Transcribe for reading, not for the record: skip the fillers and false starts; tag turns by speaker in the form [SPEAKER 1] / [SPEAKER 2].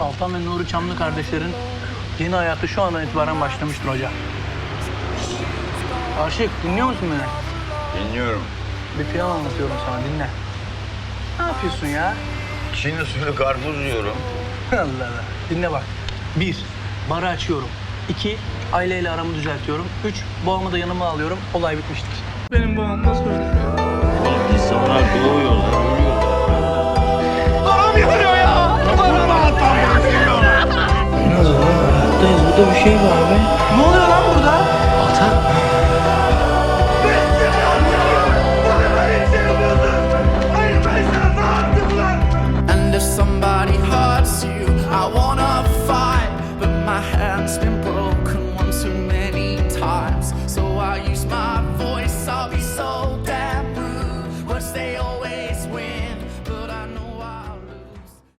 [SPEAKER 1] Altan ve Nuri Çamlı kardeşlerin yeni hayatı şu andan itibaren başlamıştır hoca. Aşık, dinliyor musun beni?
[SPEAKER 2] Dinliyorum.
[SPEAKER 1] Bir plan anlatıyorum sana, dinle. Ne yapıyorsun ya?
[SPEAKER 2] Çin usulü karpuz yiyorum.
[SPEAKER 1] Allah Allah. Dinle bak. 1. Barı açıyorum. 2. Ayla ile aramı düzeltiyorum. 3. Boğamı da yanıma alıyorum. Olay bitmiştir. Benim boğam nasıl ölmüyor?
[SPEAKER 2] Oğlum insanlar doğuyorlar, ölüyorlar.
[SPEAKER 1] Boğam yanıyor ya! Boğam yanıyor! Biraz hayattayız. Burada bir şey var be. Ne oluyor